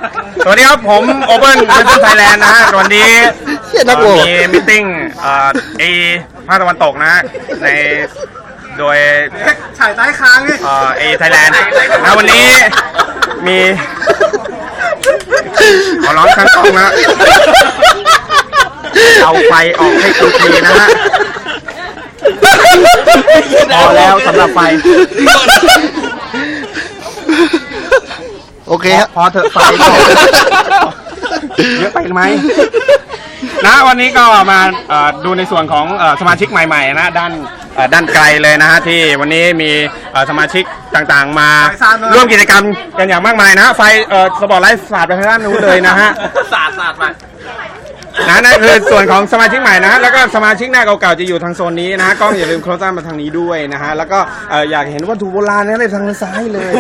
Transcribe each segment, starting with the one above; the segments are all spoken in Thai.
สวัสดีครับผมโอเพ่นเวสเทิร์นไทยแลนด์นะฮะวันนี้มีมิทติ้งภาคตะวันตกนะฮะในโดยฉายใต้ค้างนี่ไทยแลนด์นะวันนี้มีขอร้องทั้งกล้องนะเอาไฟออกให้กูทีนะฮะพอแล้วสำหรับไฟโอเคครับพอเถอะไฟเยอะไปไหมนะวันนี้ก็มาดูในส่วนของสมาชิกใหม่ๆนะด้านไกลเลยนะฮะที่วันนี้มีสมาชิกต่างๆมาร่วมกิจกรรมกันอย่างมากมายนะไฟสปอตไลท์สาดไปทางด้านนู้นเลยนะฮะสาดมานั่นคือส่วนของสมาชิกใหม่นะแล้วก็สมาชิกหน้าเก่าๆจะอยู่ทางโซนนี้นะฮะกล้องอย่าลืมโคลซ่ามาทางนี้ด้วยนะฮะแล้วก็อยากเห็นวัตถุโบราณนะเลยทางซ้ายเลย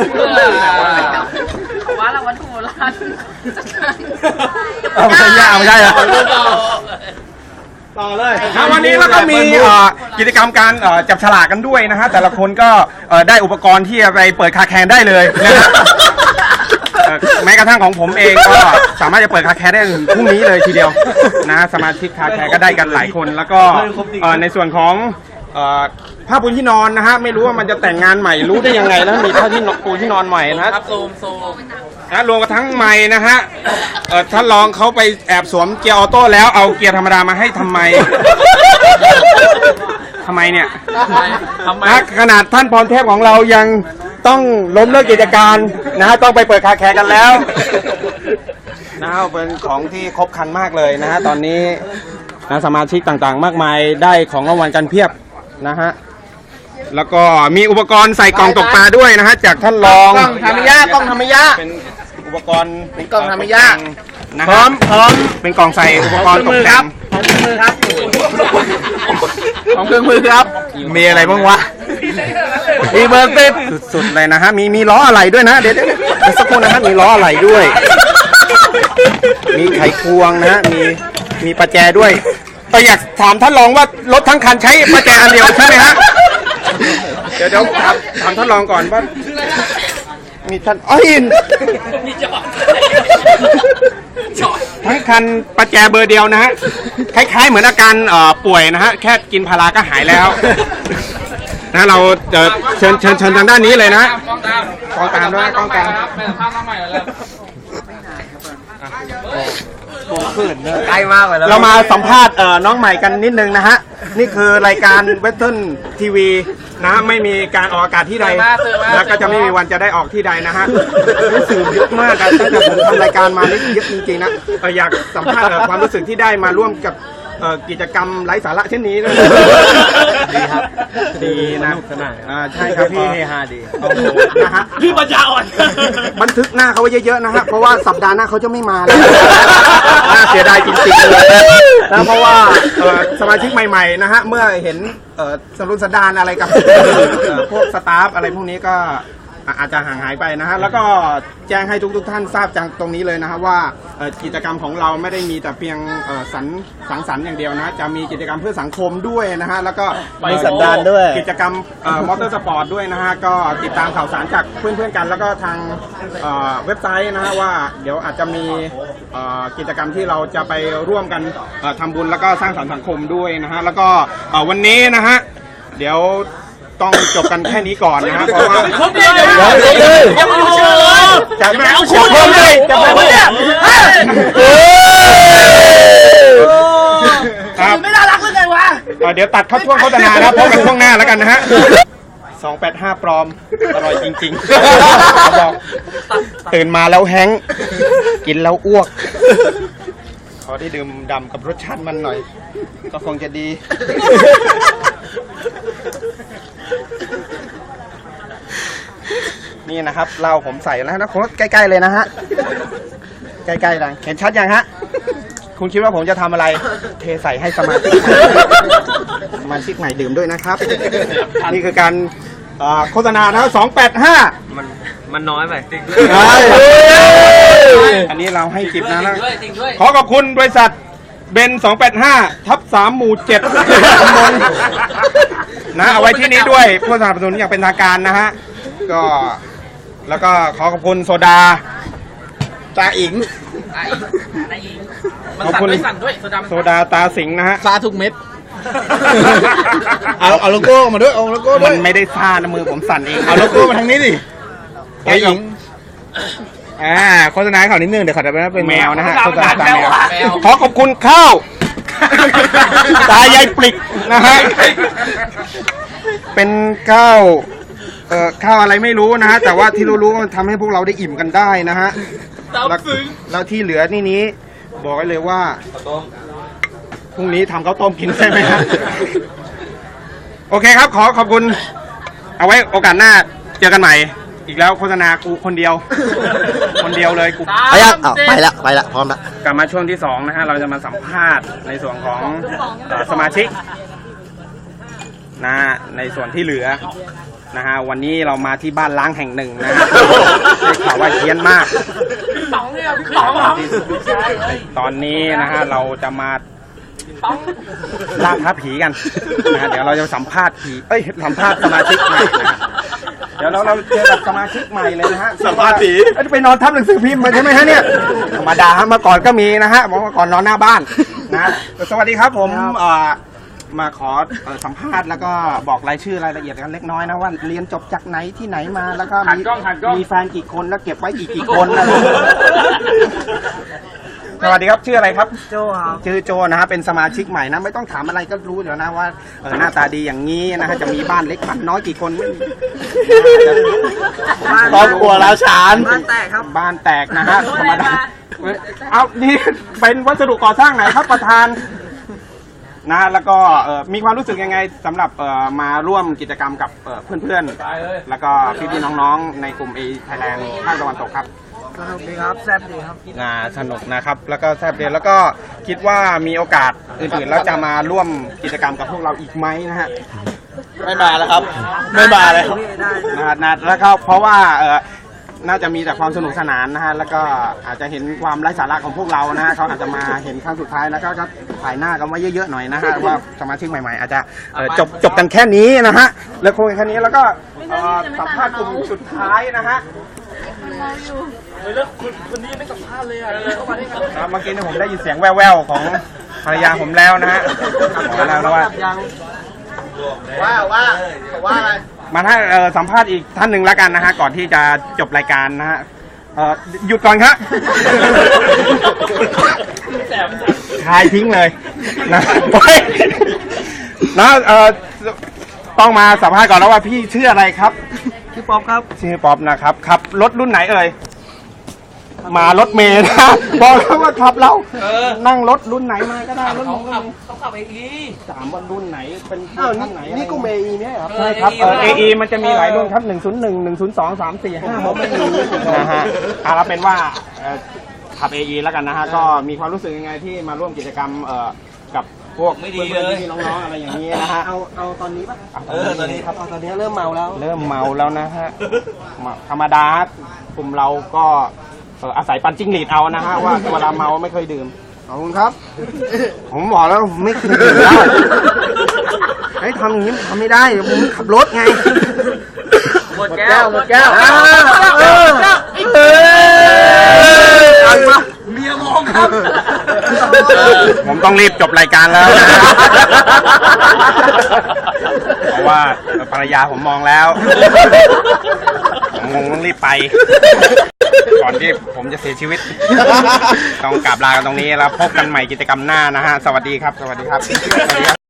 ว่าเราวัตถุโบราณไม่ใช่ไม่ใช่อะต่อเลยวันนี้แล้วก็มีกิจกรรมการจับฉลากกันด้วยนะฮะแต่ละคนก็ได้อุปกรณ์ที่จะไปเปิดคาแคนได้เลยนะฮะแม้กระทั่งของผมเองก็สามารถจะเปิดคาแคร์ได้ถึงพรุ่งนี้เลยทีเดียวนะสมาชิกคาแคร์ก็ได้กันหลายคนแล้วก็ในส่วนของผ้าปูที่นอนนะฮะไม่รู้ว่ามันจะแต่งงานใหม่รู้ได้ยังไงแล้วมีผ้าที่ปูที่นอนใหม่นะครับโซมนะรวมกับทั้งใหม่นะฮะท่านรองเขาไปแอบสวมเกียร์ออโต้แล้วเอาเกียร์ธรรมดามาให้ทำไมเนี่ยนะขนาดท่านพรเทพของเรายังต้องล้มเลิกกิจการนะฮะต้องไปเปิดคาแคร์กันแล้วนะฮะเป็นของที่ครบครันมากเลยนะฮะตอนนี้นะสมาชิกต่างๆมากมายได้ของรางวัลกันเพียบนะฮะแล้วก็มีอุปกรณ์ใส่กล่องตกปลาด้วยนะฮะจากท่านรองกล้องธรรมยะเป็นอุปกรณ์เป็นกล่องธรรมยะนะพร้อมเป็นกล่องใส่อุปกรณ์ตกแต่งของเครื่องมือครับของเครื่องมือครับมีอะไรบ้างวะมีเบอร์ติดสุดๆเลยนะฮะมีล้ออะไรด้วยนะเดี๋ยวสักครู่นะฮะมีล้ออะไรด้วยมีไขควงนะฮะมีประแจด้วยอยากถามท่านรองว่ารถทั้งคันใช้ประแจอันเดียวใช่ไหมฮะเดี๋ยวถามท่านรองก่อนว่ามีท่านทั้งคันประแจเบอร์เดียวนะฮะคล้ายๆเหมือนอาการป่วยนะฮะแค่กินพาราก็หายแล้วนะเราเชิญทางด้านนี้เลยนะกองตามด้วยกองตามใกล้มากเลยเรามาสัมภาษณ์น้องใหม่กันนิดนึงนะฮะนี่คือรายการเวสเทิร์นทีวีนะไม่มีการออกอากาศที่ใดแล้วก็จะไม่มีวันจะได้ออกที่ใดนะฮะรู้สึกเยอะมากตั้งแต่ผมทำรายการมานี่เยอะจริงๆนะอยากสัมภาษณ์ความรู้สึกที่ได้มาร่วมกับกิจกรรมไร้สาระเช่นนี้นะดีครับดีนะสนานใช่ครับพี่เฮฮาดีนะฮะพี่ปัญญาอ่อนบันทึกหน้าเขาไว้เยอะๆนะฮะเพราะว่าสัปดาห์หน้าเขาจะไม่มาแล้วน่าเสียดายจริงๆเลยนะเพราะว่าสมาชิกใหม่ๆนะฮะเมื่อเห็นสรุปสันดานอะไรกับพวกสตาฟอะไรพวกนี้ก็อาจจะห่างหายไปนะฮะแล้วก็แจ้งให้ทุกท่านทราบจากตรงนี้เลยนะฮะว่ากิจกรรมของเราไม่ได้มีแต่เพียงสังสรรค์อย่างเดียวนะจะมีกิจกรรมเพื่อสังคมด้วยนะฮะแล้วก็มีสันดานด้วยกิจกรรมมอเตอร์สปอร์ตด้วยนะฮะก็ติดตามข่าวสารจากเพื่อนๆกันแล้วก็ทางเว็บไซต์นะฮะว่าเดี๋ยวอาจจะมีกิจกรรมที่เราจะไปร่วมกันทำบุญแล้วก็สร้างสรรค์สังคมด้วยนะฮะแล้วก็วันนี้นะฮะเดี๋ยวต้องจบกันแค่นี้ก่อนนะฮะเพราะว่ายังไม่เชื่อจะไม่เอาคุณเลยจะไม่เนี่ยไม่น่ารักเลยไงวะเดี๋ยวตัดเข้าช่วงโฆษณานะพบกันช่วงหน้าแล้วกันนะฮะ285ปลอมอร่อยจริงๆบอกตื่นมาแล้วแห้งกินแล้วอ้วกขอได้ดื่มด่ำกับรสชาติมันหน่อยก็คงจะดีนี่นะครับเหล้าผมใส่แล้วนะคนใกล้ๆเลยนะฮะใกล้ๆดังเห็นชัดยังฮะคุณคิดว่าผมจะทำอะไรเทใส่ให้สมาชิกใหม่ดื่มด้วยนะครับนี่คือการโฆษณานะ285 มันน้อยไปอันนี้เราให้10นะแล้วขอขอบคุณบริษัทเบน285/3หมู่7นะเอาไว้ที่นี้ด้วยผู้สนับสนุนอย่างเป็นทางการนะฮะก็แล้วก็ขอขอบคุณโซดาตาอิงมันสั่นด้วยสั่นด้วยโซดาโซดาตาสิงนะฮะซาทุกเม็ดเอาโลโก้มาด้วยเอาโลโก้ด้มัวยนไม่ได้ซ่านะมือผมสั่นเองเอาโลโก้มาทางนี้ดิตาอิงโฆษณาให้เขานิดนึงเดี๋ยวเขาจะเป็นแมวนะฮะโฆโฆษษณาณาตาแมแมววแมวขอขอบคุณข้าว ตายายปลิกนะฮะ เป็นข้าวข้าวอะไรไม่รู้นะฮะ แต่ว่าที่รู้ๆมันทำให้พวกเราได้อิ่มกันได้นะฮะ แล้วที่เหลือนี่นี้ บอกไว้เลยว่าพรุ่งนี้ทำข้าวต้มกินใช่ไหมฮะ โอเคครับ ขอบคุณ เอาไว้โอกาสหน้าเจอกันใหม่ อีกแล้วโฆษณากูคนเดียว คนเดียวเลยกูไปยังไปละพร้อมละกลับมาช่วงที่2นะฮะ เราจะมาสัมภาษณ์ในส่วนของสมาชิกนะฮะในส่วนที่เหลือนะฮะวันนี้เรามาที่บ้านล้างแห่งหนึ่งนะฮะได้ข่าวว่าเฮี้ยนมากตอนนี้นะฮะเราจะมาล่าท้าผีกันนะฮะเดี๋ยวเราจะสัมภาษณ์ผีสัมภาษณ์สมาชิกใหม่นะฮะเดี๋ยวเราเจอกับสมาชิกใหม่เลยนะฮะสัมภาษณ์ผีไปนอนทับหนังสือพิมพ์มาใช่ไหมฮะเนี่ยธรรมดาฮะเมื่อก่อนก็มีนะฮะเมื่อก่อนนอนหน้าบ้านนะสวัสดีครับผมมาขอสัมภาษณ์แล้วก็บอกรายชื่อรายละเอียดกันเล็กน้อยนะว่าเรียนจบจากไหนที่ไหนมาแล้วก็มีแฟนกี่คนแล้วเก็บไว้อีกกี่คนนะสวัสดีครับชื่ออะไรครับโจครับชื่อโจนะฮะเป็นสมาชิกใหม่นะไม่ต้องถามอะไรก็รู้เดี๋ยวนะว่าหน้าตาดีอย่างนี้นะฮะจะมีบ้านเล็กบ้านน้อยกี่คนครอบครัวแล้วฉานบ้านแตกครับบ้านแตกนะฮะธรรมดาเอานี่เป็นวัสดุก่อสร้างไหนครับประธานนะแล้วก็มีความรู้สึกยังไงสำหรับมาร่วมกิจกรรมกับเพื่อนๆแล้วก็พี่ๆน้องๆในกลุ่ม A Thailand ภาคตะวันตกครับสนุกดีครับแซ่บดีครับสนุกนะครับแล้วก็แซ่บดีแล้วก็คิดว่ามีโอกาสอื่นๆแล้วจะมาร่วมกิจกรรมกับพวกเราอีกไหมนะฮะไม่มาแล้วครับ ไม่มาเลยครับนะแล้วก็เพราะว่าน่าจะมีแต่ความสนุกสนานนะฮะแล้วก็อาจจะเห็นความไร้สาระของพวกเรานะฮะเขาอาจจะมาเห็นครั้งสุดท้ายแล้วก็ถ่ายหน้ากันไว้เยอะๆหน่อยนะฮะว่าสมาชิกใหม่ๆอาจจะจบกันแค่นี้นะฮะแล้วคงแค่นี้แล้วก็สัมภาษณ์กลุ่มสุดท้ายนะฮะเมื่อกี้เนี่ยผมได้ยินเสียงแว่วๆของภรรยาผมแล้วนะฮะบอกแล้วนะว่าอะไรมาถ้าสัมภาษณ์อีกท่านหนึ่งแล้วกันนะฮะก่อนที่จะจบรายการนะฮะหยุดก่อนครับทายทิ้งเลยนะต้องมาสัมภาษณ์ก่อนแล้วว่าพี่ชื่ออะไรครับชื่อป๊อปครับชื่อป๊อปนะครับขับรถรุ่นไหนเอ่ยมารถเมล์นะบอกแล้วว่าขับเรานั่งรถรุ่นไหนมาก็ได้รถเขาขับAE 3วันรุ่นไหนเป็นรุ่นไหนนี่ก็เมย์เนี่ยครับใช่ครับAE มันจะมีหลายรุ่นครับ101 102 3 4 5ผมไม่มีนะฮะเราเป็นว่าขับAE แล้วกันนะฮะก็มีความรู้สึกยังไงที่มาร่วมกิจกรรมกับพวกไม่ดีเลยน้องๆอะไรอย่างนี้นะฮะเอาตอนนี้ป่ะตอนนี้ครับตอนนี้เริ่มเมาแล้วนะฮะธรรมดากลุ่มเราก็อาศัยปันจิ้งหรีดเอานะฮะว่าเวลาเมาไม่เคยดื่มขอบคุณครับผมบอกแล้วไม่เคยดื่มเหล้าให้ทำอย่างนี้ทำไม่ได้ผมขับรถไงหมดแก้วเมียมองครับผมต้องรีบจบรายการแล้วเพราะว่าภรรยาผมมองแล้วผมต้องรีบไปก่อนที่ผมจะเสียชีวิตต้องกราบลากันตรงนี้แล้วพบกันใหม่กิจกรรมหน้านะฮะสวัสดีครับ